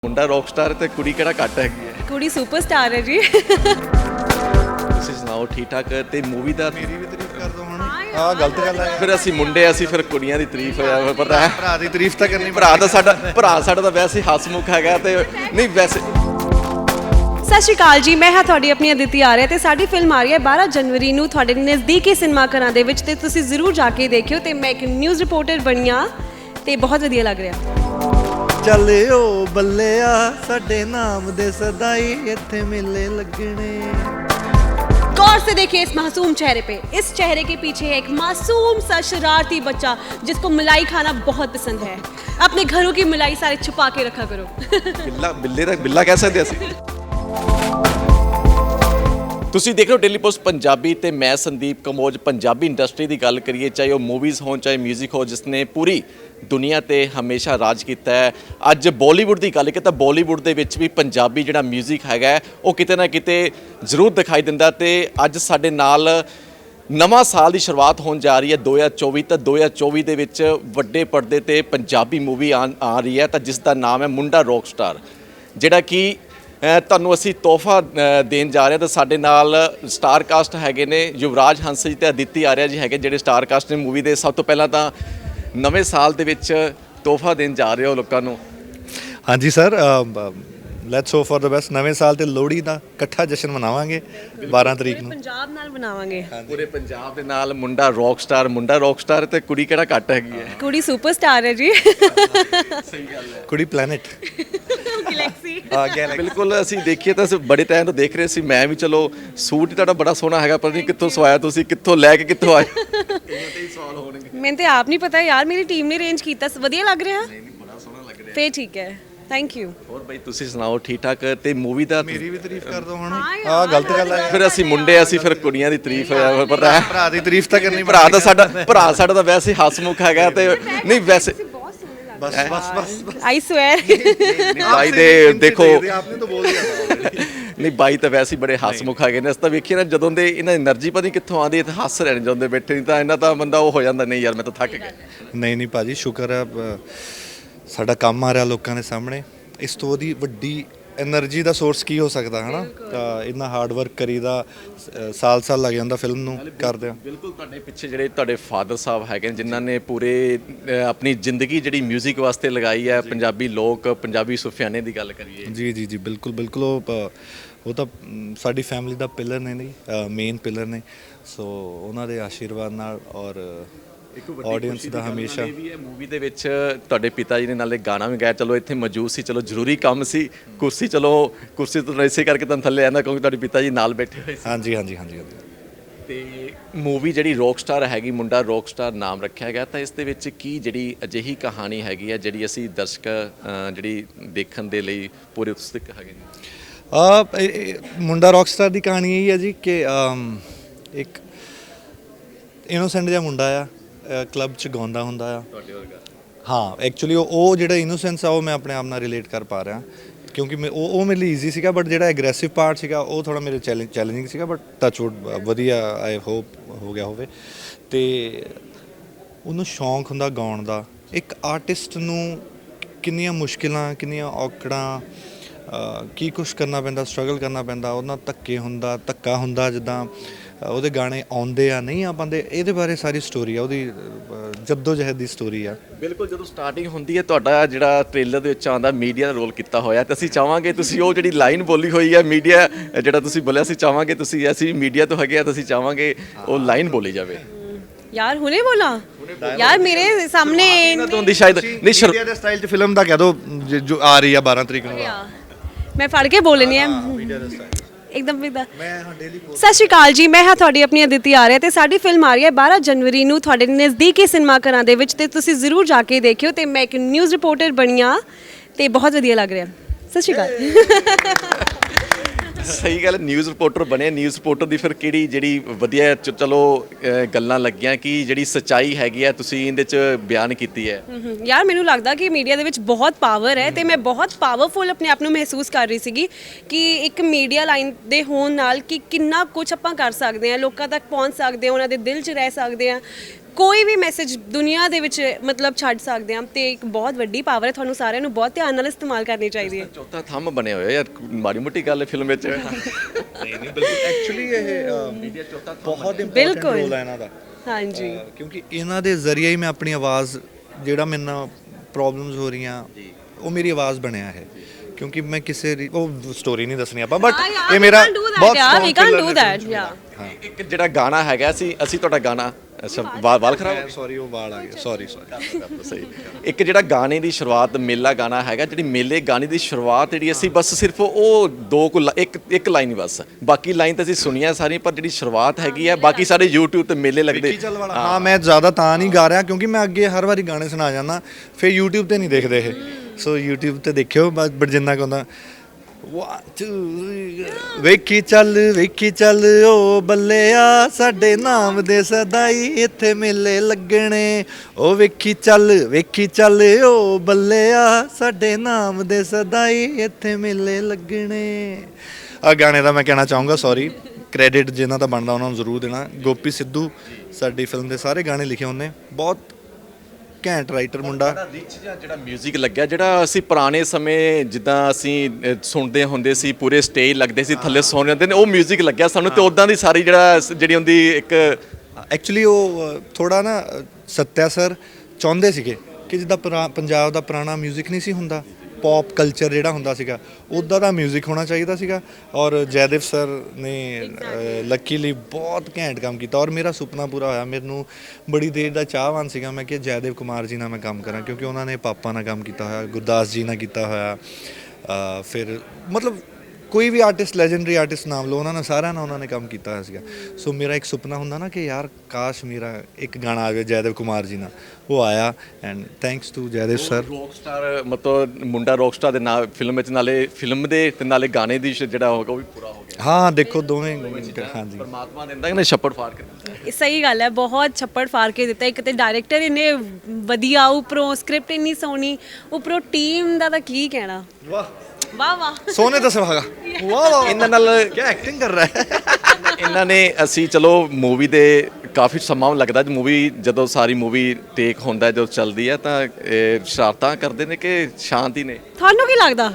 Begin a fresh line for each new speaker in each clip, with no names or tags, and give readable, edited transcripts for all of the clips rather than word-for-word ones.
ਮੁੰਡਾ rock star ਤੇ ਕੁੜੀ ਕਿਹੜਾ ਘੱਟ ਹੈਗੀ ਹੈ।
ਕੁੜੀ ਸੁਪਰਸਟਾਰ ਹੈ ਜੀ।
ਤੁਸੀਂ ਸੁਣਾਓ ਠੀਕ ਠਾਕ ਤੇ ਮੂਵੀ ਦਾ
ਮੇਰੀ ਵੀ ਤਾਰੀਫ ਕਰ ਦੋ ਹੁਣ ਆਹ ਗਲਤ ਗੱਲ ਹੈ।
ਫਿਰ ਅਸੀਂ ਮੁੰਡੇ ਅਸੀਂ ਫਿਰ ਕੁੜੀਆਂ ਦੀ ਤਾਰੀਫ ਹੋਇਆ ਪਤਾ ਹੈ।
ਭਰਾ ਦੀ ਤਾਰੀਫ ਤਾਂ ਕਰਨੀ।
ਭਰਾ ਸਾਡਾ ਤਾਂ ਵੈਸੇ ਹਸਮੁਖ ਹੈਗਾ ਤੇ ਨਹੀਂ ਵੈਸੇ।
ਸਤਿ ਸ਼੍ਰੀ ਅਕਾਲ ਜੀ, ਮੈਂ ਹਾਂ ਤੁਹਾਡੀ ਆਪਣੀ ਅਦਿਤੀ ਆਰਿਆ ਤੇ ਸਾਡੀ ਫਿਲਮ ਆ ਰਹੀ ਹੈ 12 ਜਨਵਰੀ ਨੂੰ ਤੁਹਾਡੇ ਨਜ਼ਦੀਕੀ ਸਿਨੇਮਾ ਘਰਾਂ ਦੇ ਵਿੱਚ ਤੇ ਤੁਸੀਂ ਜ਼ਰੂਰ ਜਾ ਕੇ ਦੇਖਿਓ। ਤੇ ਮੈਂ ਇੱਕ ਨਿਊਜ਼ ਰਿਪੋਰਟਰ ਬਣੀ ਹਾਂ ਤੇ ਬਹੁਤ ਵਧੀਆ ਲੱਗ ਰਿਹਾ।
ਚੱਲਿਓ ਬੱਲਿਆ ਸਾਡੇ ਨਾਮ ਦੇ ਸਦਾਈ ਇੱਥੇ ਮੇਲੇ लगने।
गौर से देखिए इस मासूम चेहरे पे। इस चेहरे के पीछे है एक मासूम सा शरारती बच्चा जिसको मलाई खाना बहुत पसंद है। अपने घरों की मलाई सारे छुपा के रखा करो।
ਬਿੱਲਾ ਕਹਿ ਸਕਦੇ ਅਸੀਂ। ਤੁਸੀਂ ਦੇਖ ਰਹੇ ਹੋ ਡੇਲੀ ਪੋਸਟ ਪੰਜਾਬੀ ਤੇ ਮੈਂ ਸੰਦੀਪ ਕੰਬੋਜ। ਪੰਜਾਬੀ ਇੰਡਸਟਰੀ ਦੀ ਗੱਲ ਕਰੀਏ, ਚਾਹੇ ਉਹ ਮੂਵੀਜ਼ ਹੋਣ ਚਾਹੇ ਮਿਊਜ਼ਿਕ ਹੋ, ਜਿਸ ਨੇ ਪੂਰੀ ਦੁਨੀਆ ਤੇ ਹਮੇਸ਼ਾ ਰਾਜ ਕੀਤਾ ਹੈ। ਅੱਜ ਬਾਲੀਵੁੱਡ ਦੀ ਗੱਲ ਕੀਤਾ, ਬਾਲੀਵੁੱਡ ਦੇ ਵਿੱਚ ਵੀ ਪੰਜਾਬੀ ਜਿਹੜਾ ਮਿਊਜ਼ਿਕ ਹੈਗਾ ਉਹ ਕਿਤੇ ਨਾ ਕਿਤੇ ਜ਼ਰੂਰ ਦਿਖਾਈ ਦਿੰਦਾ। ਤੇ ਅੱਜ ਸਾਡੇ ਨਾਲ ਨਵਾਂ ਸਾਲ ਦੀ ਸ਼ੁਰੂਆਤ ਹੋਣ ਜਾ ਰਹੀ ਹੈ 2024। ਤਾਂ 2024 ਦੇ ਵਿੱਚ ਵੱਡੇ ਪਰਦੇ ਤੇ ਪੰਜਾਬੀ ਮੂਵੀ ਆ ਰਹੀ ਹੈ ਤਾਂ ਜਿਸ ਦਾ ਨਾਮ ਹੈ ਮੁੰਡਾ ਰੌਕ ਸਟਾਰ, ਜਿਹੜਾ ਕਿ ਤੁਹਾਨੂੰ ਅਸੀਂ ਤੋਹਫਾ ਦੇਣ ਜਾ ਰਹੇ ਹਾਂ। ਤਾਂ ਸਾਡੇ ਨਾਲ ਸਟਾਰ ਕਾਸਟ ਹੈਗੇ ਨੇ ਯੁਵਰਾਜ ਹੰਸ ਜੀ ਤੇ ਅਦਿਤੀ ਆਰਿਆ ਜੀ ਹੈਗੇ, ਜਿਹੜੇ ਸਟਾਰ ਕਾਸਟ ਨੇ ਮੂਵੀ ਦੇ। ਸਭ ਤੋਂ ਪਹਿਲਾਂ ਤਾਂ ਨਵੇਂ ਸਾਲ ਦੇ ਵਿੱਚ ਤੋਹਫਾ ਦੇਣ ਜਾ ਰਹੇ ਹੋ ਲੋਕਾਂ ਨੂੰ।
ਹਾਂਜੀ sir, let's hope for the best. ਨਵੇਂ ਸਾਲ ਤੇ ਲੋਹੜੀ ਦਾ ਇਕੱਠਾ ਜਸ਼ਨ ਮਨਾਵਾਂਗੇ 12 ਤਰੀਕ ਨੂੰ।
ਪੰਜਾਬ ਨਾਲ ਬਣਾਵਾਂਗੇ।
ਪੂਰੇ ਪੰਜਾਬ ਦੇ ਨਾਲ ਮੁੰਡਾ ਰੌਕ ਸਟਾਰ ਤੇ ਕੁੜੀ ਕਿਹੜਾ ਘੱਟ ਹੈਗੀ ਹੈ।
ਕੁੜੀ ਸੁਪਰਸਟਾਰ ਹੈ ਜੀ।
ਸਹੀ ਗੱਲ ਹੈ।
ਕੁੜੀ ਪਲੈਨਟ
ਗੈਲੈਕਸੀ।
ਬਿਲਕੁਲ ਅਸੀਂ ਦੇਖੀਏ ਤਾਂ ਅਸੀਂ ਬੜੇ ਟਾਈਮ ਤੋਂ ਦੇਖ ਰਹੇ ਸੀ। ਮੈਂ ਵੀ ਚਲੋ ਸੂਟ ਹੀ ਤੁਹਾਡਾ ਬੜਾ ਸੋਹਣਾ ਹੈਗਾ, ਪਤਾ ਨਹੀਂ ਕਿੱਥੋਂ ਸਵਾਇਆ ਤੁਸੀਂ, ਕਿੱਥੋਂ ਲੈ ਕੇ ਕਿੱਥੋਂ ਆਏ। ਤੇ ਹੀ ਸਵਾਲ ਹੋਣਗੇ।
ਮੈਨੂੰ ਤੇ ਆਪ ਨਹੀਂ ਪਤਾ ਯਾਰ, ਮੇਰੀ ਟੀਮ ਨੇ ਅਰੇਂਜ ਕੀਤਾ। ਵਧੀਆ ਲੱਗ ਰਿਹਾ।
ਨਹੀਂ ਬੜਾ ਸੋਹਣਾ ਲੱਗ ਰਿਹਾ।
ਫੇਰ ਠੀਕ ਹੈ, ਥੈਂਕ ਯੂ।
ਹੋਰ ਬਈ ਤੁਸੀਂ ਸੁਣਾਓ ਠੀਕ ਠਾਕ ਤੇ ਮੂਵੀ ਦਾ।
ਮੇਰੀ ਵੀ ਤਾਰੀਫ ਕਰ ਦੋ ਹੁਣ ਆਹ ਗਲਤ ਗੱਲ ਹੈ।
ਫਿਰ ਅਸੀਂ ਮੁੰਡੇ ਅਸੀਂ ਫਿਰ ਕੁੜੀਆਂ ਦੀ ਤਾਰੀਫ ਹੋਇਆ ਪਤਾ ਹੈ।
ਭਰਾ ਦੀ ਤਾਰੀਫ ਤਾਂ ਕਰਨੀ।
ਭਰਾ ਸਾਡਾ ਤਾਂ ਵੈਸੇ ਹਸਮੁਖ ਹੈਗਾ ਤੇ ਨਹੀਂ ਵੈਸੇ।
ਬਸ
ਆਈ ਸਵੇਅਰ।
ਬਾਈ ਦੇ ਦੇਖੋ
ਆਪਨੇ ਤਾਂ ਬੋਲ ਦਿਆ।
ਨਹੀਂ ਬਾਈ ਤਾਂ ਵੈਸੇ ਬੜੇ ਹਸਮੁਖ ਹੈਗੇ ਨੇ। ਅਸੀਂ ਤਾਂ ਵੇਖੀਏ ਨਾ ਜਦੋਂ ਦੇ ਇਹਨਾਂ ਦੀ એનર્ਜੀ ਪਤਾ ਨਹੀਂ ਕਿੱਥੋਂ ਆਉਂਦੀ ਹੈ ਤੇ ਹੱਸ ਰਹਿਣ ਜਾਂਦੇ ਬੈਠੇ, ਨਹੀਂ ਤਾਂ ਇਹਨਾਂ ਤਾਂ ਬੰਦਾ ਉਹ ਹੋ ਜਾਂਦਾ ਨਹੀਂ ਯਾਰ ਮੈਂ ਤਾਂ ਥੱਕ ਗਿਆ।
ਨਹੀਂ ਭਾਜੀ, ਸ਼ੁਕਰ ਹੈ ਸਾਡਾ ਕੰਮ ਆ ਰਿਹਾ ਲੋਕਾਂ ਦੇ ਸਾਹਮਣੇ। ਇਸ ਤੋਂ ਉਹਦੀ ਵੱਡੀ એનર્ਜੀ ਦਾ ਸੋਰਸ ਕੀ ਹੋ ਸਕਦਾ ਹੈ ਨਾ। ਤਾਂ ਇੰਨਾ ਹਾਰਡ ਵਰਕ ਕਰੀਦਾ, ਸਾਲ ਲੱਗ ਜਾਂਦਾ ਫਿਲਮ ਨੂੰ ਕਰਦੇ ਆ।
ਬਿਲਕੁਲ ਤੁਹਾਡੇ ਪਿੱਛੇ ਜਿਹੜੇ ਤੁਹਾਡੇ ਫਾਦਰ ਸਾਹਿਬ ਹੈਗੇ ਨੇ, ਜਿਨ੍ਹਾਂ ਨੇ ਪੂਰੇ ਆਪਣੀ ਜ਼ਿੰਦਗੀ ਜਿਹੜੀ ਮਿਊਜ਼ਿਕ ਵਾਸਤੇ ਲਗਾਈ ਹੈ। ਪੰਜਾਬੀ ਲੋਕ ਪੰਜਾਬੀ ਸੁਫਿਆਨੇ ਦੀ ਗੱਲ ਕਰੀਏ।
ਜੀ ਬਿਲਕੁਲ ਉਹ ਤਾਂ ਸਾਡੀ ਫੈਮਿਲੀ ਦਾ ਪਿਲਰ ਨੇ, ਨਹੀਂ ਮੇਨ ਪਿਲਰ ਨੇ। ਸੋ ਉਹਨਾਂ ਦੇ ਆਸ਼ੀਰਵਾਦ ਨਾਲ ਔਰ ਆਡੀਅנס ਦਾ ਹਮੇਸ਼ਾ
ਵੀ ਇਹ ਮੂਵੀ ਦੇ ਵਿੱਚ ਤੁਹਾਡੇ ਪਿਤਾ ਜੀ ਨੇ ਨਾਲੇ ਗਾਣਾ ਵੀ ਗਾਇਆ। ਚਲੋ ਇੱਥੇ ਮੌਜੂਦ ਸੀ, ਚਲੋ ਜ਼ਰੂਰੀ ਕੰਮ ਸੀ। ਕੁਰਸੀ ਤੋਂ ਇਸੇ ਕਰਕੇ ਤੁਹਾਨੂੰ ਥੱਲੇ ਆਉਂਦਾ ਕਿਉਂਕਿ ਤੁਹਾਡੇ ਪਿਤਾ ਜੀ ਨਾਲ ਬੈਠੇ ਹੋਏ ਸੀ।
ਹਾਂਜੀ।
ਤੇ ਮੂਵੀ ਜਿਹੜੀ ਰੌਕ ਸਟਾਰ ਹੈਗੀ, ਮੁੰਡਾ ਰੌਕ ਸਟਾਰ ਨਾਮ ਰੱਖਿਆ ਗਿਆ। ਤਾਂ ਇਸ ਦੇ ਵਿੱਚ ਕੀ ਜਿਹੜੀ ਅਜਿਹੀ ਕਹਾਣੀ ਹੈਗੀ ਹੈ ਜਿਹੜੀ ਅਸੀਂ ਦਰਸ਼ਕ ਜਿਹੜੀ ਦੇਖਣ ਦੇ ਲਈ ਪੂਰੇ ਉਤਸੁਕ ਹੈਗੇ ਨੇ।
ਮੁੰਡਾ ਰੌਕ ਸਟਾਰ ਦੀ ਕਹਾਣੀ ਇਹ ਹੈ ਜੀ ਕਿ ਇੱਕ ਇਨੋਸੈਂਟ ਜਿਹਾ ਮੁੰਡਾ ਆ, ਕਲੱਬ 'ਚ ਗਾਉਂਦਾ ਹੁੰਦਾ ਆ।
ਤੁਹਾਡੇ ਵਰਗਾ।
ਹਾਂ, ਐਕਚੁਅਲੀ ਉਹ ਜਿਹੜਾ ਇਨੋਸੈਂਸ ਆ ਉਹ ਮੈਂ ਆਪਣੇ ਆਪ ਨਾਲ ਰਿਲੇਟ ਕਰ ਪਾ ਰਿਹਾ ਕਿਉਂਕਿ ਉਹ ਮੇਰੇ ਲਈ ਈਜ਼ੀ ਸੀਗਾ। ਬਟ ਜਿਹੜਾ ਐਗਰੈਸਿਵ ਪਾਰਟ ਸੀਗਾ ਉਹ ਥੋੜਾ ਮੇਰੇ ਚੈਲੰਜਿੰਗ ਸੀਗਾ। ਬਟ ਟੱਚਵੁੱਡ ਵਧੀਆ, ਆਈ ਹੋਪ ਹੋ ਗਿਆ ਹੋਵੇ। ਤੇ ਉਹਨੂੰ ਸ਼ੌਂਕ ਹੁੰਦਾ ਗਾਉਣ ਦਾ। ਇੱਕ ਆਰਟਿਸਟ ਨੂੰ ਕਿੰਨੀਆਂ ਮੁਸ਼ਕਿਲਾਂ, ਕਿੰਨੀਆਂ ਔਕੜਾਂ, ਕੀ ਕੁਛ ਕਰਨਾ ਪੈਂਦਾ, ਸਟਰਗਲ ਕਰਨਾ ਪੈਂਦਾ, ਉਹਨਾਂ ਧੱਕਾ ਹੁੰਦਾ ਜਿੱਦਾਂ ਉਹਦੇ ਗਾਣੇ ਆਉਂਦੇ ਆ ਨਹੀਂ ਆ ਪਾਉਂਦੇ। ਇਹਦੇ ਬਾਰੇ ਸਾਰੀ ਸਟੋਰੀ ਆ, ਉਹਦੀ ਜੱਦੋ ਜਹਿਦ ਦੀ ਸਟੋਰੀ ਆ।
ਬਿਲਕੁਲ ਜਦੋਂ ਸਟਾਰਟਿੰਗ ਹੁੰਦੀ ਹੈ ਤੁਹਾਡਾ ਜਿਹੜਾ ਟ੍ਰੇਲਰ ਦੇ ਵਿੱਚ ਆਉਂਦਾ ਮੀਡੀਆ ਦਾ ਰੋਲ ਕੀਤਾ ਹੋਇਆ। ਤੇ ਅਸੀਂ ਚਾਹਾਂਗੇ ਤੁਸੀਂ ਉਹ ਜਿਹੜੀ ਲਾਈਨ ਬੋਲੀ ਹੋਈ ਹੈ ਮੀਡੀਆ ਜਿਹੜਾ ਤੁਸੀਂ ਬੋਲਿਆ, ਅਸੀਂ ਚਾਹਾਂਗੇ ਤੁਸੀਂ, ਅਸੀਂ ਮੀਡੀਆ ਤੋਂ ਹੈਗੇ ਆ, ਤੁਸੀਂ ਚਾਹਾਂਗੇ ਉਹ ਲਾਈਨ ਬੋਲੀ ਜਾਵੇ।
ਯਾਰ ਹੁਣੇ ਬੋਲਾ ਯਾਰ ਮੇਰੇ ਸਾਹਮਣੇ
ਹੁੰਦੀ ਸ਼ਾਇਦ ਨਹੀਂ।
ਮੀਡੀਆ ਦੇ ਸਟਾਈਲ 'ਚ ਫਿਲਮ ਦਾ ਕਹਿ ਦੋ ਜੋ ਆ ਰਹੀ ਆ 12 ਤਰੀਕ ਨੂੰ।
ਮੈਂ ਫੜ ਕੇ ਬੋਲਣੀ ਹੈ
ਮੀਡੀਆ ਦੇ ਸਟਾਈਲ
ਇੱਕਦਮ ਵਿਦਾ।
ਮੈਂ ਡੇਲੀ
ਸਤਿ ਸ਼੍ਰੀ ਅਕਾਲ ਜੀ, ਮੈਂ ਹਾਂ ਤੁਹਾਡੀ ਆਪਣੀ ਅਦਿਤੀ ਆਰਿਆ ਤੇ ਸਾਡੀ ਫਿਲਮ ਆ ਰਹੀ ਹੈ 12 ਜਨਵਰੀ ਨੂੰ ਤੁਹਾਡੇ ਨਜ਼ਦੀਕੀ ਸਿਨੇਮਾ ਘਰਾਂ ਦੇ ਵਿੱਚ ਤੇ ਤੁਸੀਂ ਜ਼ਰੂਰ ਜਾ ਕੇ ਦੇਖਿਓ। ਤੇ ਮੈਂ ਇੱਕ ਨਿਊਜ਼ ਰਿਪੋਰਟਰ ਬਣੀ ਹਾਂ ਤੇ ਬਹੁਤ ਵਧੀਆ ਲੱਗ ਰਿਹਾ। ਸਤਿ ਸ਼੍ਰੀ ਅਕਾਲ।
ਸਹੀ ਗੱਲ, ਨਿਊਜ਼ ਰਿਪੋਰਟਰ ਬਣੇ। ਨਿਊਜ਼ ਰਿਪੋਰਟਰ ਦੀ ਫਿਰ ਕਿਹੜੀ ਜਿਹੜੀ ਵਧੀਆ ਚਲੋ ਗੱਲਾਂ ਲੱਗੀਆਂ ਕਿ ਜਿਹੜੀ ਸੱਚਾਈ ਹੈਗੀ ਹੈ ਤੁਸੀਂ ਇਹਦੇ 'ਚ ਬਿਆਨ ਕੀਤੀ ਹੈ।
ਯਾਰ ਮੈਨੂੰ ਲੱਗਦਾ ਕਿ ਮੀਡੀਆ ਦੇ ਵਿੱਚ ਬਹੁਤ ਪਾਵਰ ਹੈ ਤੇ ਮੈਂ ਬਹੁਤ ਪਾਵਰਫੁਲ ਆਪਣੇ ਆਪ ਨੂੰ ਮਹਿਸੂਸ ਕਰ ਰਹੀ ਸੀਗੀ ਕਿ ਇੱਕ ਮੀਡੀਆ ਲਾਈਨ ਦੇ ਹੋਣ ਨਾਲ ਕਿ ਕਿੰਨਾ ਕੁਝ ਆਪਾਂ ਕਰ ਸਕਦੇ ਹਾਂ, ਲੋਕਾਂ ਤੱਕ ਪਹੁੰਚ ਸਕਦੇ ਹਾਂ, ਉਹਨਾਂ ਦੇ ਦਿਲ 'ਚ ਰਹਿ ਸਕਦੇ ਹਾਂ। ਕੋਈ ਵੀ ਮੈਸੇਜ ਦੁਨੀਆ ਦੇ ਵਿੱਚ ਮਤਲਬ ਛੱਡ ਸਕਦੇ ਹਾਂ ਤੇ ਇੱਕ ਬਹੁਤ ਵੱਡੀ ਪਾਵਰ ਹੈ। ਤੁਹਾਨੂੰ ਸਾਰਿਆਂ ਨੂੰ ਬਹੁਤ ਧਿਆਨ ਨਾਲ ਇਸਤੇਮਾਲ ਕਰਨੀ ਚਾਹੀਦੀ ਹੈ।
ਚੌਥਾ ਥੰਮ ਬਣੇ ਹੋਏ ਯਾਰ, ਮਾੜੀ ਮੋਟੀ ਗੱਲ ਹੈ ਫਿਲਮ ਵਿੱਚ।
ਨਹੀਂ ਬਿਲਕੁਲ ਐਕਚੁਅਲੀ ਇਹ
ਮੀਡੀਆ ਚੌਥਾ
ਬਹੁਤ ਇੰਪੋਰਟੈਂਟ
ਬਿਲਕੁਲ।
ਰੋਲ ਹੈ ਇਹਨਾਂ ਦਾ।
ਹਾਂਜੀ
ਕਿਉਂਕਿ ਇਹਨਾਂ ਦੇ ਜ਼ਰੀਏ ਹੀ ਮੈਂ ਆਪਣੀ ਆਵਾਜ਼, ਜਿਹੜਾ ਮੇਰੇ ਨਾਲ ਪ੍ਰੋਬਲਮਸ ਹੋ ਰਹੀਆਂ, ਉਹ ਮੇਰੀ ਆਵਾਜ਼ ਬਣਿਆ ਹੈ। ਕਿਉਂਕਿ ਮੈਂ ਕਿਸੇ ਉਹ ਸਟੋਰੀ ਨਹੀਂ ਦੱਸਣੀ ਆਪਾਂ, ਬਟ ਇਹ ਮੇਰਾ ਬਹੁਤ
we can't do that, yeah.
ਇੱਕ ਜਿਹੜਾ ਗਾਣਾ ਹੈਗਾ ਅਸੀਂ ਤੁਹਾਡਾ ਗਾਣਾ, ਅੱਛਾ ਵਾਲ ਖਰਾਬ ਹੋ ਗਏ?
ਸੌਰੀ ਉਹ ਵਾਲ ਆ ਗਏ, ਸੌਰੀ
ਸਹੀ। ਇੱਕ ਜਿਹੜਾ ਗਾਣੇ ਦੀ ਸ਼ੁਰੂਆਤ, ਮੇਲਾ ਗਾਣਾ ਹੈਗਾ, ਜਿਹੜੀ ਮੇਲੇ ਗਾਣੇ ਦੀ ਸ਼ੁਰੂਆਤ ਜਿਹੜੀ ਅਸੀਂ ਬਸ ਸਿਰਫ ਉਹ ਇੱਕ ਲਾਈਨ ਹੀ ਬਸ, ਬਾਕੀ ਲਾਈਨ ਤਾਂ ਅਸੀਂ ਸੁਣੀਆਂ ਸਾਰੀਆਂ, ਪਰ ਜਿਹੜੀ ਸ਼ੁਰੂਆਤ ਹੈਗੀ ਹੈ ਬਾਕੀ ਸਾਰੇ YouTube ਤੇ ਮੇਲੇ ਲੱਗਦੇ।
ਹਾਂ ਮੈਂ ਜ਼ਿਆਦਾ ਤਾਂ ਨਹੀਂ ਗਾ ਰਿਹਾ ਕਿਉਂਕਿ ਮੈਂ ਅੱਗੇ ਹਰ ਵਾਰੀ ਗਾਣੇ ਸੁਣਾ ਜਾਂਦਾ, ਫਿਰ YouTube ਤੇ ਨਹੀਂ ਦੇਖਦੇ ਇਹ, ਸੋ YouTube ਤੇ ਦੇਖਿਓ ਬਟ ਜਿੰਨਾ ਕੁ ਹੁੰਦਾ। ਵੇਖੀ ਚੱਲ ਓ ਬੱਲਿਆ, ਸਾਡੇ ਨਾਮ ਦੇ ਸਦਾਈ ਇੱਥੇ ਮੇਲੇ ਲੱਗਣੇ। ਓ ਵੇਖੀ ਚੱਲ ਓ ਬੱਲਿਆ, ਸਾਡੇ ਨਾਮ ਦੇ ਸਦਾਈ ਇੱਥੇ ਮੇਲੇ ਲੱਗਣੇ। ਆ ਗਾਣੇ ਦਾ ਮੈਂ ਕਹਿਣਾ ਚਾਹੂੰਗਾ, ਸੌਰੀ ਕ੍ਰੈਡਿਟ ਜਿਨ੍ਹਾਂ ਦਾ ਬਣਦਾ ਉਹਨਾਂ ਨੂੰ ਜ਼ਰੂਰ ਦੇਣਾ। ਗੋਪੀ ਸਿੱਧੂ ਸਾਡੀ ਫਿਲਮ ਦੇ ਸਾਰੇ ਗਾਣੇ ਲਿਖੇ ਉਹਨੇ, ਬਹੁਤ ਘੈਂਟ ਰਾਈਟਰ ਮੁੰਡਾ।
ਜਿਹੜਾ 뮤직 ਲੱਗਿਆ, ਜਿਹੜਾ ਅਸੀਂ ਪੁਰਾਣੇ ਸਮੇਂ ਜਿੱਦਾਂ ਅਸੀਂ ਸੁਣਦੇ ਹੁੰਦੇ ਸੀ, ਪੂਰੇ ਸਟੇਜ ਲੱਗਦੇ ਸੀ, ਥੱਲੇ ਸੌਣ ਜਾਂਦੇ ਨੇ, ਉਹ 뮤직 ਲੱਗਿਆ ਸਾਨੂੰ ਤੇ ਉਦਾਂ ਦੀ ਸਾਰੀ ਜਿਹੜੀ ਉਹਦੀ ਇੱਕ
ਐਕਚੁਅਲੀ ਉਹ ਥੋੜਾ ਨਾ ਸੱਤਿਆ ਸਰ ਚਾਹੁੰਦੇ ਸੀਗੇ ਕਿ ਜਿੱਦਾਂ ਪੰਜਾਬ ਦਾ ਪੁਰਾਣਾ 뮤직 ਨਹੀਂ ਸੀ ਹੁੰਦਾ, ਪੌਪ ਕਲਚਰ ਜਿਹੜਾ ਹੁੰਦਾ ਸੀਗਾ, ਉੱਦਾਂ ਦਾ 뮤직 ਹੋਣਾ ਚਾਹੀਦਾ ਸੀਗਾ। ਔਰ ਜੈਦੇਵ ਸਰ ਨੇ ਲੱਕੀਲੀ ਬਹੁਤ ਘੈਂਟ ਕੰਮ ਕੀਤਾ ਔਰ ਮੇਰਾ ਸੁਪਨਾ ਪੂਰਾ ਹੋਇਆ। ਮੈਨੂੰ ਬੜੀ ਦੇਰ ਦਾ ਚਾਹਵਾਨ ਸੀਗਾ ਮੈਂ ਕਿ ਜੈਦੇਵ ਕੁਮਾਰ ਜੀ ਨਾਲ ਮੈਂ ਕੰਮ ਕਰਾਂ, ਕਿਉਂਕਿ ਉਹਨਾਂ ਨੇ ਪਾਪਾ ਨਾਲ ਕੰਮ ਕੀਤਾ ਹੋਇਆ, ਗੁਰਦਾਸ ਜੀ ਨਾਲ ਕੀਤਾ ਹੋਇਆ, ਫਿਰ ਮਤਲਬ ਕੋਈ ਵੀ ਆਰਟਿਸਟ, ਲੈਜੈਂਡਰੀ ਆਰਟਿਸਟ ਨਾਮ ਲਓ, ਉਹਨਾਂ ਨੇ ਸਾਰਿਆਂ ਨਾਲ ਉਹਨਾਂ ਨੇ ਕੰਮ ਕੀਤਾ ਹੋਇਆ ਸੀਗਾ। ਸੋ ਮੇਰਾ ਇੱਕ ਸੁਪਨਾ ਹੁੰਦਾ ਨਾ ਕਿ ਯਾਰ ਕਾਸ਼ ਮੇਰਾ ਇੱਕ ਗਾਣਾ ਆਵੇ ਜੈਦੇਵ ਕੁਮਾਰ ਜੀ ਨਾਲ, ਉਹ ਆਇਆ and thanks to Jaidev sir.
Rock star ਮਤਲਬ ਮੁੰਡਾ ਰੌਕ ਸਟਾਰ ਦੇ ਨਾਲ ਫਿਲਮ ਵਿੱਚ, ਨਾਲੇ ਫਿਲਮ ਦੇ ਤੇ ਨਾਲੇ ਗਾਣੇ ਦੀ ਜਿਹੜਾ ਹੋਗਾ ਉਹ ਵੀ ਪੂਰਾ ਹੋ ਗਿਆ।
ਹਾਂ ਦੇਖੋ ਦੋਵੇਂ, ਹਾਂਜੀ
ਪਰਮਾਤਮਾ ਦਿੰਦਾ ਕਿ ਨਾ ਛੱਪੜ ਫਾੜ ਕੇ ਦਿੰਦਾ।
ਇਹ ਸਹੀ ਗੱਲ ਹੈ, ਬਹੁਤ ਛੱਪੜ ਫਾੜ ਕੇ ਦਿੱਤਾ। ਇੱਕ ਤੇ ਡਾਇਰੈਕਟਰ ਇੰਨੇ ਵਧੀਆ, ਉੱਪਰੋਂ ਸਕ੍ਰਿਪਟ ਇੰਨੀ ਸੋਹਣੀ, ਉੱਪਰੋਂ ਟੀਮ ਦਾ ਤਾਂ ਕੀ ਕਹਿਣਾ। ਵਾਹ ਵਾਹ
ਸੋਨੇ ਦਾ ਸੁਹਾਗਾ, ਵਾਹ
ਇਹਨਾਂ ਨਾਲ
ਕੀ ਐਕਟਿੰਗ ਕਰ ਰਿਹਾ ਹੈ।
ਇਹਨਾਂ ਨੇ ਅਸੀਂ ਚਲੋ ਮੂਵੀ ਦੇ ਕਾਫੀ ਸਮਾਂ ਲੱਗਦਾ, ਮੂਵੀ ਜਦੋਂ ਸਾਰੀ ਮੂਵੀ ਟੇਕ ਹੁੰਦਾ, ਜਦੋਂ ਚੱਲਦੀ ਹੈ ਤਾਂ ਸ਼ਰਾਰਤਾਂ ਕਰਦੇ ਨੇ ਕਿ ਸ਼ਾਂਤੀ ਨੇ?
ਤੁਹਾਨੂੰ ਕੀ ਲੱਗਦਾ?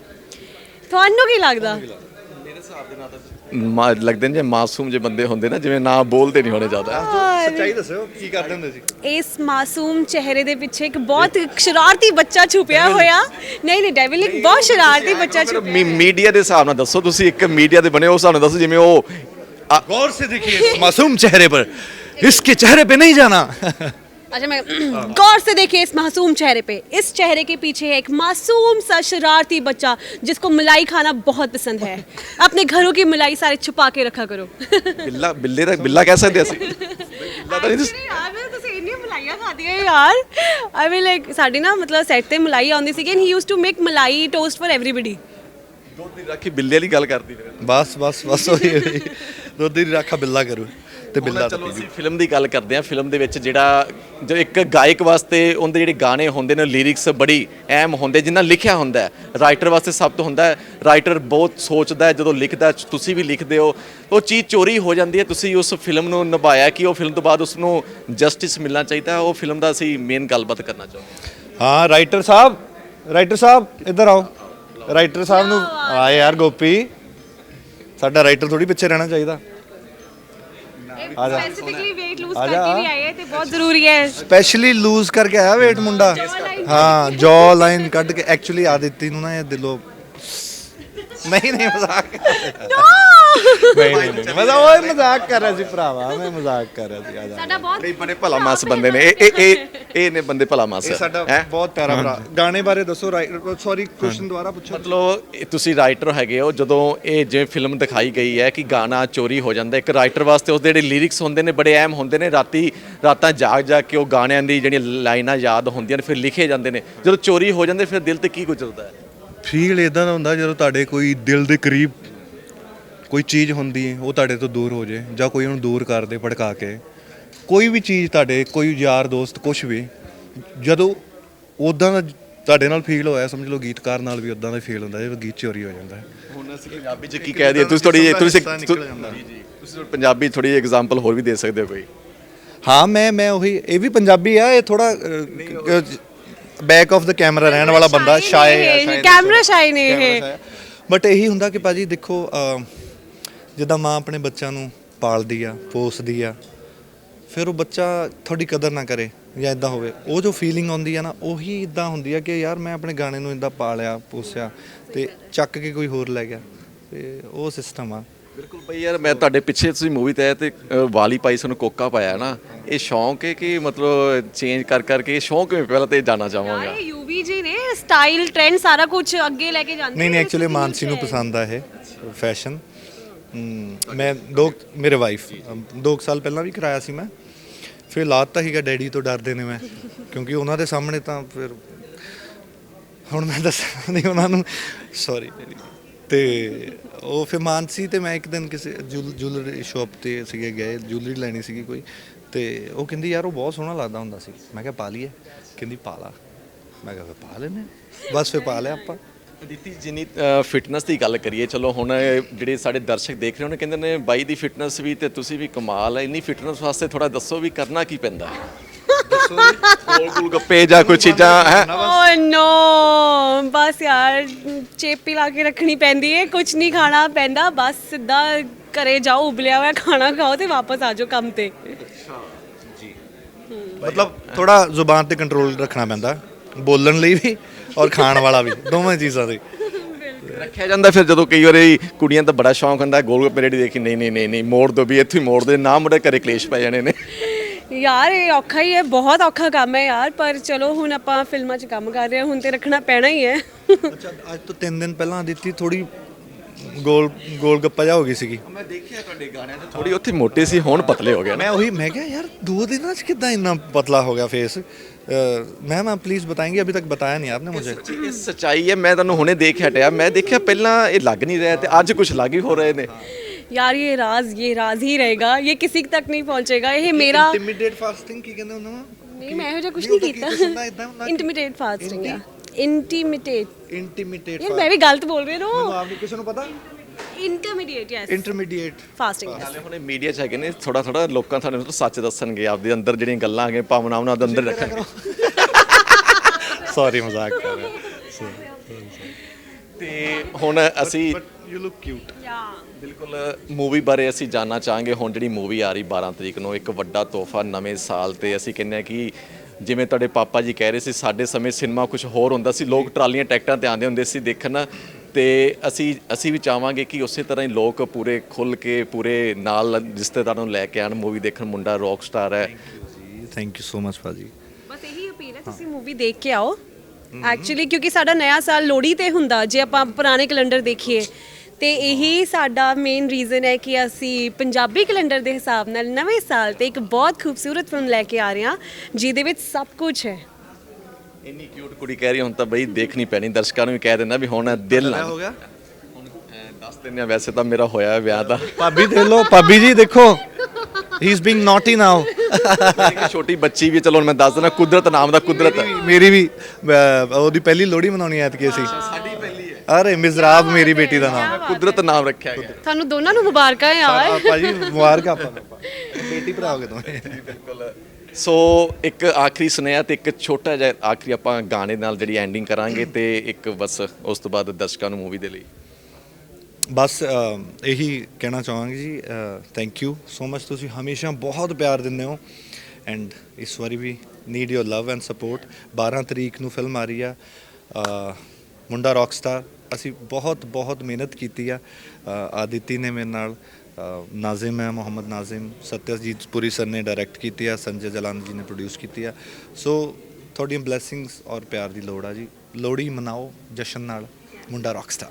ਮੇਰੇ ਹਿਸਾਬ ਦੇ ਨਾਲ ਤਾਂ ਲੱਗਦੇ ਨੇ ਜੇ ਮਾਸੂਮ ਜੇ ਬੰਦੇ ਹੁੰਦੇ ਨਾ, ਜਿਵੇਂ ਨਾ ਬੋਲਦੇ ਨਹੀਂ ਹੋਣੇ ਜ਼ਿਆਦਾ।
ਸੱਚਾਈ ਦੱਸੋ ਕੀ ਕਰਦੇ ਹੁੰਦੇ ਸੀ?
ਇਸ ਮਾਸੂਮ ਚਿਹਰੇ ਦੇ ਪਿੱਛੇ ਇੱਕ ਬਹੁਤ ਸ਼ਰਾਰਤੀ ਬੱਚਾ ਛੁਪਿਆ ਹੋਇਆ। ਨਹੀਂ ਡੈਵਿਲਿਕ ਬਹੁਤ ਸ਼ਰਾਰਤੀ ਬੱਚਾ ਛੁਪਿਆ।
ਮੀਡੀਆ ਦੇ ਹਿਸਾਬ ਨਾਲ ਦੱਸੋ, ਤੁਸੀਂ ਇੱਕ ਮੀਡੀਆ ਦੇ ਬਣੇ ਹੋ, ਸਾਨੂੰ ਦੱਸੋ ਜਿਵੇਂ ਉਹ
गौर से देखिए इस मासूम चेहरे पर, इसके चेहरे पे नहीं जाना।
अच्छा मैं गौर से देखिए इस मासूम चेहरे पे, इस चेहरे के पीछे है एक मासूम सा शरारती बच्चा जिसको मलाई खाना बहुत पसंद है। अपने घरों की मलाई सारे छुपा के रखा करो।
ਬਿੱਲਾ ਕਹਿ ਸਕਦੇ ਅਸੀਂ? ਬਿੱਲਾ ਤਾਂ ਨਹੀਂ।
ਯਾਰ ਮੈਂ ਤੁਸੀਂ ਇੰਨੀਆਂ ਮਲਾਈਆਂ ਖਾਦੀਆਂ ਯਾਰ। ਆਈ ਮੀਨ ਲਾਈਕ ਸਾਡੀ ਨਾ ਮਤਲਬ ਸੈੱਟ ਤੇ ਮਲਾਈ ਆਉਂਦੀ ਸੀ and he used to make malai toast for everybody.
ਦੁੱਧ ਦੀ ਰਾਖੀ ਬਿੱਲੇ ਵਾਲੀ ਗੱਲ ਕਰਦੀ ਫਿਰ।
ਬਸ ਉਹੀ ਦੁੱਧ ਦੀ ਰਾਖਾ ਬਿੱਲਾ ਕਰੂ ਤੇ ਬਿੱਲਾ।
ਚਲੋ ਅਸੀਂ ਫਿਲਮ ਦੀ ਗੱਲ ਕਰਦੇ ਹਾਂ। ਫਿਲਮ ਦੇ ਵਿੱਚ ਜਿਹੜਾ ਜੋ ਇੱਕ ਗਾਇਕ ਵਾਸਤੇ ਉਹਦੇ ਜਿਹੜੇ ਗਾਣੇ ਹੁੰਦੇ ਨੇ, ਲਿਰਿਕਸ ਬੜੀ ਅਹਿਮ ਹੁੰਦੇ, ਜਿੰਨਾ ਲਿਖਿਆ ਹੁੰਦਾ ਹੈ। ਰਾਈਟਰ ਵਾਸਤੇ ਸਭ ਤੋਂ ਹੁੰਦਾ ਹੈ, ਰਾਈਟਰ ਬਹੁਤ ਸੋਚਦਾ ਹੈ ਜਦੋਂ ਲਿਖਦਾ, ਤੁਸੀਂ ਵੀ ਲਿਖਦੇ ਹੋ, ਉਹ ਚੀਜ਼ ਚੋਰੀ ਹੋ ਜਾਂਦੀ ਹੈ। ਤੁਸੀਂ ਉਸ ਫਿਲਮ ਨੂੰ ਨਿਭਾਇਆ ਕਿ ਉਹ ਫਿਲਮ ਤੋਂ ਬਾਅਦ ਉਸ ਨੂੰ ਜਸਟਿਸ ਮਿਲਣਾ ਚਾਹੀਦਾ, ਉਹ ਫਿਲਮ ਦਾ ਅਸੀਂ ਮੇਨ ਗੱਲਬਾਤ ਕਰਨਾ ਚਾਹੁੰਦੇ ਹਾਂ।
ਹਾਂ ਰਾਈਟਰ ਸਾਹਿਬ ਇੱਧਰ ਆਓ। ਰਾਈਟਰ ਸਾਹਿਬ ਨੂੰ ਆਏ ਯਾਰ, ਗੋਪੀ ਸਾਡਾ ਰਾਈਟਰ ਥੋੜੀ ਪਿੱਛੇ ਰਹਿਣਾ ਚਾਹੀਦਾ। ਆ ਜਾ,
ਸਪੈਸੀਫਿਕਲੀ weight lose ਕਰਕੇ ਵੀ ਆਏ ਤੇ ਬਹੁਤ ਜ਼ਰੂਰੀ ਹੈ।
ਸਪੈਸ਼ਲੀ ਲੂਜ਼ ਕਰਕੇ ਆਇਆ weight ਮੁੰਡਾ। ਹਾਂ ਜੌ ਲਾਈਨ ਕੱਢ ਕੇ। ਐਕਚੁਅਲੀ ਆਦਿਤੀ ਨੂੰ ਨਾ ਇਹ ਦਿਲੋਂ ਨਹੀਂ ਮਜ਼ਾਕ ਨਹੀਂ ਮਜ਼ਾਕ ਕਰ ਰਿਹਾ ਸੀ ਭਰਾਵਾ, ਮੈਂ ਮਜ਼ਾਕ ਕਰ ਰਿਹਾ ਸੀ। ਆ ਜਾ,
ਸਾਡਾ ਬਹੁਤ
ਬੜੇ ਭਲਾ ਮਾਸ ਬੰਦੇ ਨੇ ਇਹ ਨੇ ਬੰਦੇ ਭਲਾ ਮਾਸ।
ਇਹ ਸਾਡਾ ਬਹੁਤ ਪਿਆਰਾ ਭਰਾ। ਗਾਣੇ ਬਾਰੇ ਦੱਸੋ। ਸੌਰੀ ਕੁਐਸਚਨ ਦੁਬਾਰਾ ਪੁੱਛੋ।
ਮਤਲਬ ਤੁਸੀਂ ਰਾਈਟਰ ਹੈਗੇ ਹੋ, ਜਦੋਂ ਇਹ ਜਿਵੇਂ ਫਿਲਮ ਦਿਖਾਈ ਗਈ ਹੈ ਕਿ ਗਾਣਾ ਚੋਰੀ ਹੋ ਜਾਂਦਾ, ਇੱਕ ਰਾਈਟਰ ਵਾਸਤੇ ਉਸਦੇ ਜਿਹੜੇ ਲਿਰਿਕਸ ਹੁੰਦੇ ਨੇ ਬੜੇ ਅਹਿਮ ਹੁੰਦੇ ਨੇ। ਰਾਤਾਂ ਜਾਗ ਕੇ ਉਹ ਗਾਣਿਆਂ ਦੀ ਜਿਹੜੀਆਂ ਲਾਈਨਾਂ ਯਾਦ ਹੁੰਦੀਆਂ ਨੇ, ਫਿਰ ਲਿਖੇ ਜਾਂਦੇ ਨੇ। ਜਦੋਂ ਚੋਰੀ ਹੋ ਜਾਂਦੇ ਫਿਰ ਦਿਲ ਤੇ ਕੀ ਗੁਜ਼ਰਦਾ ਹੈ?
ਫੀਲ ਇਦਾਂ ਦਾ ਹੁੰਦਾ ਜਦੋਂ ਤੁਹਾਡੇ ਕੋਈ ਦਿਲ ਦੇ ਕਰੀਬ ਕੋਈ ਚੀਜ਼ ਹੁੰਦੀ ਹੈ, ਉਹ ਤੁਹਾਡੇ ਤੋਂ ਦੂਰ ਹੋ ਜੇ, ਜਾਂ ਕੋਈ ਉਹਨੂੰ ਦੂਰ ਕਰ ਦੇ ਭੜਕਾ ਕੇ। ਕੋਈ ਵੀ ਚੀਜ਼ ਤੁਹਾਡੇ, ਕੋਈ ਯਾਰ ਦੋਸਤ, ਕੁਛ ਵੀ, ਜਦੋਂ ਉੱਦਾਂ ਦਾ ਤੁਹਾਡੇ ਨਾਲ ਫੀਲ ਹੋਇਆ, ਸਮਝ ਲਓ ਗੀਤਕਾਰ ਨਾਲ ਵੀ ਉੱਦਾਂ ਦਾ ਫੀਲ ਹੁੰਦਾ ਜਦੋਂ ਗੀਤ ਚੋਰੀ ਹੋ ਜਾਂਦਾ ਹੈ।
ਹੁਣ ਅਸੀਂ ਪੰਜਾਬੀ 'ਚ ਕੀ ਕਹਿ ਦਈਏ? ਤੁਸੀਂ ਪੰਜਾਬੀ ਥੋੜੀ ਐਗਜ਼ਾਮਪਲ ਹੋਰ ਵੀ ਦੇ ਸਕਦੇ ਹੋ ਕੋਈ?
ਹਾਂ ਮੈਂ ਉਹੀ, ਇਹ ਵੀ ਪੰਜਾਬੀ ਆ, ਇਹ ਥੋੜਾ ਬੈਕ ਆਫ ਦਾ ਕੈਮਰਾ ਰਹਿਣ ਵਾਲਾ ਬੰਦਾ, ਸ਼ਾਇ
ਕੈਮਰਾ ਸ਼ਾਈ ਨੇ ਇਹ।
ਬਟ ਇਹੀ ਹੁੰਦਾ ਕਿ ਭਾਜੀ ਦੇਖੋ ਜਿੱਦਾਂ ਮਾਂ ਆਪਣੇ ਬੱਚਿਆਂ ਨੂੰ ਪਾਲਦੀ ਆ, ਪੋਸਦੀ ਆ, ਫਿਰ ਉਹ ਬੱਚਾ ਤੁਹਾਡੀ ਕਦਰ ਨਾ ਕਰੇ ਜਾਂ ਇਦਾਂ ਹੋਵੇ, ਉਹ ਜੋ ਫੀਲਿੰਗ ਆਉਂਦੀ ਆ ਨਾ, ਉਹੀ ਇਦਾਂ ਹੁੰਦੀ ਆ ਕਿ ਯਾਰ ਮੈਂ ਆਪਣੇ ਗਾਣੇ ਨੂੰ ਇਦਾਂ ਪਾਲਿਆ ਪੋਸਿਆ ਤੇ ਚੱਕ ਕੇ ਕੋਈ ਹੋਰ ਲੈ ਗਿਆ, ਤੇ ਉਹ ਸਿਸਟਮ ਆ।
ਬਿਲਕੁਲ ਬਈ ਯਾਰ, ਮੈਂ ਤੁਹਾਡੇ ਪਿੱਛੇ ਤੁਸੀਂ ਮੂਵੀ ਤੇ ਆਏ ਤੇ ਵਾਲੀ ਪਾਈ, ਸਾਨੂੰ ਕੋਕਾ ਪਾਇਆ ਨਾ, ਇਹ ਸ਼ੌਂਕ ਹੈ ਕਿ ਮਤਲਬ ਚੇਂਜ ਕਰ ਕਰਕੇ ਸ਼ੌਂਕ ਕਿਵੇਂ, ਪਹਿਲਾਂ ਤੇ ਜਾਣਾ ਚਾਹਾਂਗਾ।
ਇਹ ਯੂਵੀ ਜੀ ਨੇ ਸਟਾਈਲ ਟ੍ਰੈਂਡ ਸਾਰਾ ਕੁਝ ਅੱਗੇ ਲੈ ਕੇ ਜਾਂਦੇ
ਨਹੀਂ ਐਕਚੁਅਲੀ ਮਾਨਸੀ ਨੂੰ ਪਸੰਦ ਆ ਇਹ ਫੈਸ਼ਨ। ਮੈਂ ਮੇਰੇ ਵਾਈਫ 2 ਸਾਲ ਪਹਿਲਾਂ ਵੀ ਕਰਾਇਆ ਸੀ ਮੈਂ, ਫਿਰ ਲਾਤਾ ਸੀਗਾ, ਡੈਡੀ ਤੋਂ ਡਰਦੇ ਨੇ ਮੈਂ, ਕਿਉਂਕਿ ਉਹਨਾਂ ਦੇ ਸਾਹਮਣੇ ਤਾਂ ਫਿਰ ਹੁਣ ਮੈਂ ਦੱਸਣਾ ਨਹੀਂ ਉਹਨਾਂ ਨੂੰ, ਸੌਰੀ। ਤੇ ਉਹ ਫਿਰ ਮਾਨਸੀ ਤੇ ਮੈਂ ਇੱਕ ਦਿਨ ਕਿਸੇ ਜੁਐਲਰੀ ਸ਼ਾਪ ਤੇ ਸੀਗੇ ਗਏ, ਜੁਐਲਰੀ ਲੈਣੀ ਸੀਗੀ ਕੋਈ, ਤੇ ਉਹ ਕਹਿੰਦੀ ਯਾਰ ਉਹ ਬਹੁਤ ਸੋਹਣਾ ਲੱਗਦਾ ਹੁੰਦਾ ਸੀ। ਮੈਂ ਕਿਹਾ ਪਾ ਲਈਏ, ਕਹਿੰਦੀ ਪਾ ਲਾ। ਮੈਂ ਕਿਹਾ ਫਿਰ ਪਾ ਲੈਨੇ, ਬਸ ਫਿਰ ਪਾ ਲਿਆ ਆਪਾਂ।
ਅਦਿੱਤੀ, ਜਿੰਨੀ ਫਿਟਨੈਸ ਦੀ ਗੱਲ ਕਰੀਏ, ਚਲੋ ਹੁਣ ਜਿਹੜੇ ਸਾਡੇ ਦਰਸ਼ਕ ਦੇਖ ਰਹੇ ਉਹਨੇ ਕਹਿੰਦੇ ਨੇ ਬਾਈ ਦੀ ਫਿਟਨੈਸ ਵੀ ਤੇ ਤੁਸੀਂ ਵੀ ਕਮਾਲ ਹੈ, ਇੰਨੀ ਫਿਟਨੈਸ ਵਾਸਤੇ ਥੋੜਾ ਦੱਸੋ ਵੀ ਕਰਨਾ ਕੀ ਪੈਂਦਾ ਹੈ? ਗੋਲ ਗੱਪੇ ਜਾਂ ਕੋਈ ਚੀਜ਼ਾਂ ਹੈ?
ਓ ਨੋ, ਬਸ ਯਾਰ ਚੇਪੀ ਲਾ ਕੇ ਰੱਖਣੀ ਪੈਂਦੀ ਹੈ, ਕੁਝ ਨਹੀਂ ਖਾਣਾ ਪੈਂਦਾ, ਬਸ ਸਿੱਧਾ ਘਰੇ ਜਾਓ, ਉਬਲਿਆ ਹੋਇਆ ਖਾਣਾ ਖਾਓ ਤੇ ਵਾਪਸ ਆ ਜਾਓ ਕੰਮ ਤੇ।
ਮਤਲਬ ਥੋੜਾ ਜ਼ੁਬਾਨ ਤੇ ਕੰਟਰੋਲ ਰੱਖਣਾ ਪੈਂਦਾ, ਬੋਲਣ ਲਈ ਵੀ ਔਰ ਖਾਣ ਵਾਲਾ ਵੀ, ਦੋਵੇਂ ਚੀਜ਼ਾਂ ਦੇ
ਰੱਖਿਆ ਜਾਂਦਾ। ਫਿਰ ਜਦੋਂ ਕਈ ਵਾਰੀ ਕੁੜੀਆਂ ਦਾ ਬੜਾ ਸ਼ੌਂਕ ਹੁੰਦਾ ਗੋਲ ਗੱਪੇ ਰੇੜੀ ਦੇਖੀ, ਨਹੀਂ ਮੋੜ ਦੋ ਵੀ, ਇੱਥੇ ਹੀ ਮੋੜ ਦੇ ਨਾ, ਮੁੰਡੇ ਘਰੇ ਕਲੇਸ਼ ਪੈ ਜਾਣੇ ਨੇ।
ਯਾਰ ਇਹ ਔਖਾ ਹੀ ਹੈ, ਬਹੁਤ ਔਖਾ ਕੰਮ ਹੈ ਯਾਰ, ਪਰ ਚਲੋ ਹੁਣ ਆਪਾਂ ਫਿਲਮਾਂ 'ਚ ਕੰਮ ਕਰ ਰਹੇ ਹਾਂ, ਹੁਣ ਤੇ ਰੱਖਣਾ ਪੈਣਾ ਹੀ ਹੈ।
ਅੱਛਾ, ਅੱਜ ਤੋਂ 3 ਦਿਨ ਪਹਿਲਾਂ ਦਿੱਤੀ ਥੋੜੀ ਗੋਲ ਗੱਪਾ ਜਾ ਹੋ ਗਈ ਸੀਗੀ।
ਮੈਂ ਦੇਖਿਆ ਤੁਹਾਡੇ ਗਾਣਿਆਂ 'ਚ ਥੋੜੀ ਉੱਥੇ ਮੋਟੇ ਸੀ, ਹੁਣ ਪਤਲੇ ਹੋ ਗਏ।
मैं क्या यार 2 दिनों से कितना इतना पतला हो गया फेस। मैम आप प्लीज़ बताएंगे, अभी तक बताया नहीं आपने मुझे।
ਇਹ ਸੱਚਾਈ ਹੈ, ਮੈਂ ਤੁਹਾਨੂੰ ਹੁਣੇ ਦੇਖ ਹਟਿਆ, ਮੈਂ ਦੇਖਿਆ ਪਹਿਲਾਂ ਇਹ ਲੱਗ ਨਹੀਂ ਰਿਹਾ ਤੇ ਅੱਜ ਕੁਝ ਲੱਗ ਹੀ ਹੋ ਰਹੇ ਨੇ।
यार ये राज ही रहेगा, ये किसी तक नहीं पहुंचेगा, ये मेरा
इंटिमिडेट फास्टिंग की कहते हैं
नहीं, मैं ਇਹੋ ਜਿਹਾ ਕੁਝ ਨਹੀਂ ਕੀਤਾ। ਇੰਟੀਮੀਡੇਟ ਫਾਸਟਿੰਗ ਆ, ਇੰਟੀਮੀਡੇਟ ਯਾਰ ਮੈਂ ਵੀ ਗਲਤ ਬੋਲ ਰਹੀ ਹਾਂ।
ਆਪ ਨੂੰ ਕਿਸੇ ਨੂੰ ਪਤਾ?
Intermediate, yes,
intermediate
fasting.
ਨਾਲੇ ਹੁਣ ਮੀਡੀਆ 'ਚ ਹੈਗੇ ਨੇ, ਥੋੜਾ ਲੋਕਾਂ ਤੁਹਾਨੂੰ ਸੱਚ ਦੱਸਣਗੇ, ਆਪਦੇ ਅੰਦਰ ਜਿਹੜੀਆਂ ਗੱਲਾਂ ਹੈਗੀਆਂ, ਭਾਵਨਾਵਾਂ ਉਹਨਾਂ ਦੇ ਅੰਦਰ ਰੱਖਣਗੇ।
ਸੌਰੀ ਮਜ਼ਾਕ ਕਰ ਰਿਹਾ।
ਤੇ ਹੁਣ ਅਸੀਂ
ਯੂ ਲੁੱਕ ਕਿਊਟ।
ਬਿਲਕੁਲ ਮੂਵੀ ਬਾਰੇ ਅਸੀਂ ਜਾਨਣਾ ਚਾਹਾਂਗੇ। ਹੁਣ ਜਿਹੜੀ ਮੂਵੀ ਆ ਰਹੀ 12 ਤਰੀਕ ਨੂੰ, ਇੱਕ ਵੱਡਾ ਤੋਹਫਾ ਨਵੇਂ ਸਾਲ ਤੇ, ਅਸੀਂ ਕਹਿੰਦੇ ਆ ਕਿ ਜਿਵੇਂ ਤੁਹਾਡੇ ਪਾਪਾ ਜੀ ਕਹਿ ਰਹੇ ਸੀ, ਸਾਡੇ ਸਮੇਂ ਸਿਨੇਮਾ ਕੁਝ ਹੋਰ ਹੁੰਦਾ ਸੀ, ਲੋਕ ਟਰਾਲੀਆਂ ਟਿਕਟਾਂ ਤੇ ਆਉਂਦੇ ਹੁੰਦੇ ਸੀ ਦੇਖਣ, ਤੇ ਅਸੀਂ ਵੀ ਚਾਹਾਂਗੇ ਕਿ ਉਸੇ ਤਰ੍ਹਾਂ ਹੀ ਲੋਕ ਪੂਰੇ ਖੁੱਲ੍ਹ ਕੇ ਪੂਰੇ ਨਾਲ ਰਿਸ਼ਤੇਦਾਰਾਂ ਨੂੰ ਲੈ ਕੇ ਆਉਣ ਮੂਵੀ ਦੇਖਣ। ਮੁੰਡਾ ਰੌਕ ਸਟਾਰ ਹੈ।
ਥੈਂਕ ਯੂ ਸੋ ਮਚ ਭਾਜੀ।
ਬਸ ਇਹੀ ਅਪੀਲ ਹੈ, ਤੁਸੀਂ ਮੂਵੀ ਦੇਖ ਕੇ ਆਓ ਐਕਚੁਅਲੀ, ਕਿਉਂਕਿ ਸਾਡਾ ਨਵਾਂ ਸਾਲ ਲੋਹੜੀ ਤੇ ਹੁੰਦਾ, ਜੇ ਆਪਾਂ ਪੁਰਾਣੇ ਕੈਲੰਡਰ ਦੇਖੀਏ ਤੇ ਇਹੀ ਸਾਡਾ ਮੇਨ ਰੀਜ਼ਨ ਹੈ ਕਿ ਅਸੀਂ ਪੰਜਾਬੀ ਕੈਲੰਡਰ ਦੇ ਹਿਸਾਬ ਨਾਲ ਨਵੇਂ ਸਾਲ ਤੇ ਇੱਕ ਬਹੁਤ ਖੂਬਸੂਰਤ ਫਿਲਮ ਲੈ ਕੇ ਆ ਰਹੇ ਹਾਂ, ਜਿਹਦੇ ਵਿੱਚ ਸਭ ਕੁਝ ਹੈ।
ਇੰਨੀ ਕਿਊਟ ਕੁੜੀ ਕਹਿ ਰਹੀ ਹੁਣ ਤਾਂ ਬਈ ਦੇਖਣੀ ਪੈਣੀ, ਦਰਸ਼ਕਾਂ ਨੂੰ ਵੀ ਕਹਿ ਦੇਣਾ ਵੀ ਹੁਣ ਦਿਲ ਨਾ
ਹੋ ਗਿਆ।
ਹੁਣ ਦੱਸ ਦਿੰਦੇ ਆ, ਵੈਸੇ ਤਾਂ ਮੇਰਾ ਹੋਇਆ ਵਿਆਹ ਦਾ।
ਭਾਬੀ ਦੇਖ ਲਓ, ਭਾਬੀ ਜੀ ਦੇਖੋ, he is being naughty now.
ਇੱਕ ਛੋਟੀ ਬੱਚੀ ਵੀ, ਚਲੋ ਹੁਣ ਮੈਂ ਦੱਸ ਦਿੰਦਾ, ਕੁਦਰਤ ਨਾਮ ਦਾ ਕੁਦਰਤ ਹੈ।
ਮੇਰੀ ਵੀ ਉਹਦੀ ਪਹਿਲੀ ਲੋਹੜੀ ਮਨਾਉਣੀ ਐਤਕੀ ਅਸੀਂ।
ਸਾਡੀ ਪਹਿਲੀ ਹੈ।
ਅਰੇ ਮਿਜ਼ਰਾਬ ਮੇਰੀ ਬੇਟੀ ਦਾ ਨਾਮ,
ਕੁਦਰਤ ਨਾਮ ਰੱਖਿਆ ਗਿਆ।
ਤੁਹਾਨੂੰ ਦੋਨਾਂ ਨੂੰ ਮੁਬਾਰਕਾਂ ਯਾਰ।
ਭਾਜੀ ਮੁਬਾਰਕ ਆਪਾਂ ਬੇਟੀ ਭਰਾ ਹੋ ਗਏ ਦੋਵੇਂ।
ਬਿਲਕੁਲ। ਸੋ ਇੱਕ ਆਖਰੀ ਸੁਨੇਹਾ ਤੇ ਇੱਕ ਛੋਟਾ ਜਿਹਾ ਆਖਰੀ ਆਪਾਂ ਗਾਣੇ ਨਾਲ ਜਿਹੜੀ ਐਂਡਿੰਗ ਕਰਾਂਗੇ, ਤੇ ਇੱਕ ਬਸ ਉਸ ਤੋਂ ਬਾਅਦ ਦਰਸ਼ਕਾਂ ਨੂੰ ਮੂਵੀ ਦੇ ਲਈ
ਬਸ ਇਹੀ ਕਹਿਣਾ ਚਾਹਾਂਗੇ ਜੀ, ਥੈਂਕ ਯੂ ਸੋ ਮਚ, ਤੁਸੀਂ ਹਮੇਸ਼ਾ ਬਹੁਤ ਪਿਆਰ ਦਿੰਦੇ ਹੋ, ਐਂਡ ਇਸ ਵਾਰੀ we need your love and support. 12 ਤਰੀਕ ਨੂੰ ਫਿਲਮ ਆ ਰਹੀ ਆ ਮੁੰਡਾ ਰੌਕ ਸਟਾਰ। ਅਸੀਂ ਬਹੁਤ ਮਿਹਨਤ ਕੀਤੀ ਆ, ਆਦਿਤੀ ਨੇ ਮੇਰੇ ਨਾਲ, ਨਾਜ਼ਿਮ ਹੈ, ਮੁਹੰਮਦ ਨਾਜ਼ਿਮ, ਸਤਿਆਜੀਤ ਪੁਰੀ ਸਰ ਨੇ ਡਾਇਰੈਕਟ ਕੀਤੀ ਆ, ਸੰਜੇ ਜਲਾਨ ਜੀ ਨੇ ਪ੍ਰੋਡਿਊਸ ਕੀਤੀ ਆ। ਸੋ ਤੁਹਾਡੀਆਂ ਬਲੇਸਿੰਗਸ ਔਰ ਪਿਆਰ ਦੀ ਲੋੜ ਆ ਜੀ। ਲੋਹੜੀ ਮਨਾਓ ਜਸ਼ਨ ਨਾਲ, ਮੁੰਡਾ ਰੌਕ ਸਟਾਰ।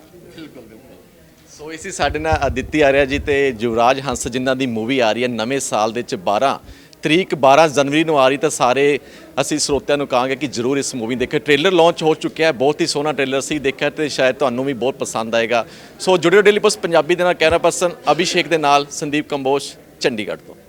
ਸੋ ਇਸੇ ਸਾਡੇ ਨਾਲ ਅਦਿੱਤੀ ਆਰਿਆ ਜੀ ਤੇ ਯੁਵਰਾਜ ਹੰਸ, ਜਿਨ੍ਹਾਂ ਦੀ ਮੂਵੀ ਆ ਰਹੀ ਹੈ ਨਵੇਂ ਸਾਲ ਦੇ ਵਿੱਚ 12 ਜਨਵਰੀ ਨੂੰ ਆ ਰਹੀ, ਤਾਂ ਸਾਰੇ ਅਸੀਂ ਸਰੋਤਿਆਂ ਨੂੰ ਕਹਾਂਗੇ ਕਿ ਜ਼ਰੂਰ ਇਸ ਮੂਵੀ ਦੇਖੇ। ਟ੍ਰੇਲਰ ਲਾਂਚ ਹੋ ਚੁੱਕਿਆ ਹੈ, ਬਹੁਤ ਹੀ ਸੋਹਣਾ ਟ੍ਰੇਲਰ ਸੀ, ਦੇਖਿਆ ਤੇ ਸ਼ਾਇਦ ਤੁਹਾਨੂੰ ਵੀ ਬਹੁਤ ਪਸੰਦ ਆਏਗਾ। ਸੋ ਜੁੜਿਓ ਡੇਲੀ ਪੋਸਟ ਪੰਜਾਬੀ ਦੇ ਨਾਲ। ਕੈਮਰਾ ਪਰਸਨ ਅਭਿਸ਼ੇਕ ਦੇ ਨਾਲ ਸੰਦੀਪ ਕੰਬੋਜ, ਚੰਡੀਗੜ੍ਹ ਤੋਂ।